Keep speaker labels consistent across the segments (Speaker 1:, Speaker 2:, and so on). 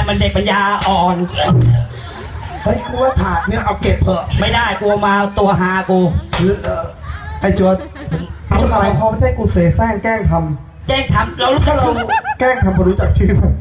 Speaker 1: มันเด็กปัญญาอ่อน
Speaker 2: เฮ้ยกูว่าถาดเนี่ยเอาเก็บเถอะ
Speaker 1: ไม่ได้กูมาตัวหากู
Speaker 3: ไอ้โจทย์จะหมายความว่าให้กูเสแสร้งแกล้งท
Speaker 1: แจ้งทำเรารู้
Speaker 3: ำ
Speaker 1: สึ
Speaker 3: ถ้าก เราแกล้งทำพอรู้จักชื่อมัน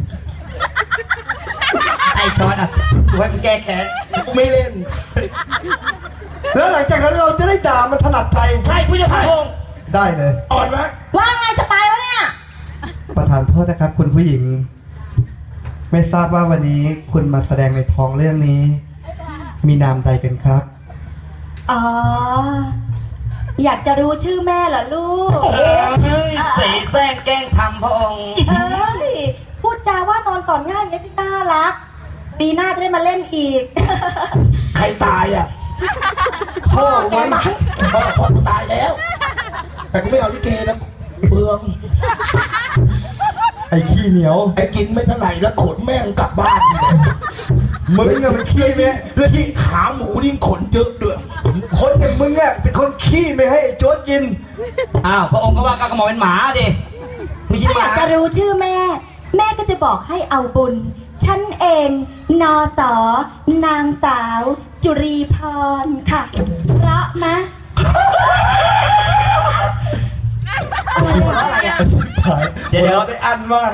Speaker 1: ไอ้จอร์ดอ่ะกูให้มึงแก้แค้น
Speaker 2: กูไม่เล่น
Speaker 3: แล้วหลังจากนั้นเราจะได้ด่ามันถนัดใจ
Speaker 1: ใช่ผู้จัดการพงษ์
Speaker 3: ได้เลย
Speaker 2: อ่อนไหม
Speaker 4: ว่าไงจะไปแล้วเนี่ย
Speaker 3: ประธานโทษนะครับ คุณผู้หญิง ไม่ทราบว่าวันนี้คุณมาแสดงในท้องเรื่องนี้ มีนามใดกันครับ
Speaker 4: อ๋อ อยากจะรู้ชื่อแม่เหรอลูก
Speaker 1: เฮ้ยเสแสร้งแกล้งทำพระองค์
Speaker 4: เฮ้ย พูดจาว่านอนสอนง่ายเนี่ยสิน่ารัก ปีหน้าจะได้มาเล่นอีก
Speaker 2: ใครตายอ่ะ
Speaker 4: พ่อแกมั้ง
Speaker 2: พ่อกูตายแล้ว แต่กูไม่เอาลิเกนะเปลือง
Speaker 3: ไอ้ขี้เหนียว
Speaker 2: ไอ้กินไม่เท่าไหร่แล้วขนแม่งกลับบ้านนี่แหละ
Speaker 3: มึงอะมันขี้ไหม
Speaker 2: แล้วที่ขาหมูนี่ขนเยอะด้วย
Speaker 3: คนอย่างมึงอะเป็นคนขี้ไม่ให้ไอ้โจ๊ดกิน
Speaker 1: อ้าวพระองค์ก็ว่าก็กระหม่อมเป็นหมาดิไม่ใช่
Speaker 4: ถ้า
Speaker 1: ห
Speaker 4: อยา
Speaker 1: มา
Speaker 4: กจะรู้ชื่อแม่ แม่ก็จะบอกให้เอาบุญ ฉันเองนอสอนางสาว จุรีพรค่ะ เพราะมะ
Speaker 1: อะไรอ่ะเดี๋ยว
Speaker 3: เราได้อันมาก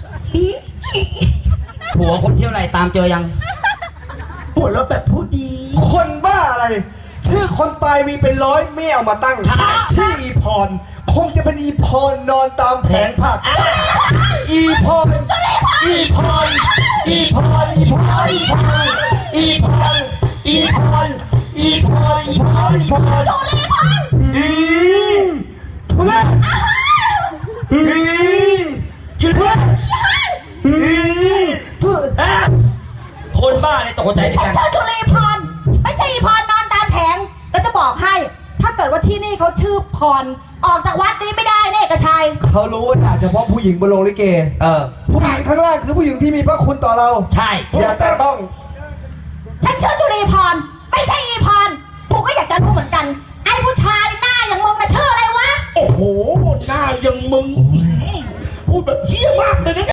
Speaker 1: ผัวคนเที่ยวไหนตามเจอยัง
Speaker 2: หัวเราะแบบพูดดี
Speaker 3: คนบ้าอะไร ชื่อคนตายมีเป็นร้อยไม่เอามาตั้ง ชื่ออีพร คงจะเป็นอีพรนอนตามแผงผัก อีพร อีพร อีพร อีพร อีพร อีพร อีพร อีพร อีพร อีพร
Speaker 4: จุรีพร
Speaker 3: ทุเรศจุเรศทุเรศ
Speaker 1: คนบ้าเนี่ยตกใจดิ
Speaker 4: ฉัน
Speaker 1: กัน
Speaker 4: ชื่อจุรีพร ไม่ใช่อีพรนอนตามแผง แล้วจะบอกให้ ถ้าเกิดว่าที่นี่เขาชื่อพร ออกจากวัดนี้ไม่ได้เนี่ยเอกชัย
Speaker 3: เขารู้ว่าด่าเฉพาะผู้หญิงบนโรงลิเก ผู้หญิงข้างล่างคือผู้หญิงที่มีพระคุณต่อเรา
Speaker 1: ใช่
Speaker 3: อย่าแต่ต้อง
Speaker 4: ฉันชื่อจุรีพร ไม่ใช่อีพรกูก็อยากจะรู้เหมือนกัน ไอ้ผู้ชายหน้าอย่างมึงน่ะชื่ออะไรวะ
Speaker 2: โอ้โห หน้าอย่างมึง พูดแบบเหี้ยมากเลยนะ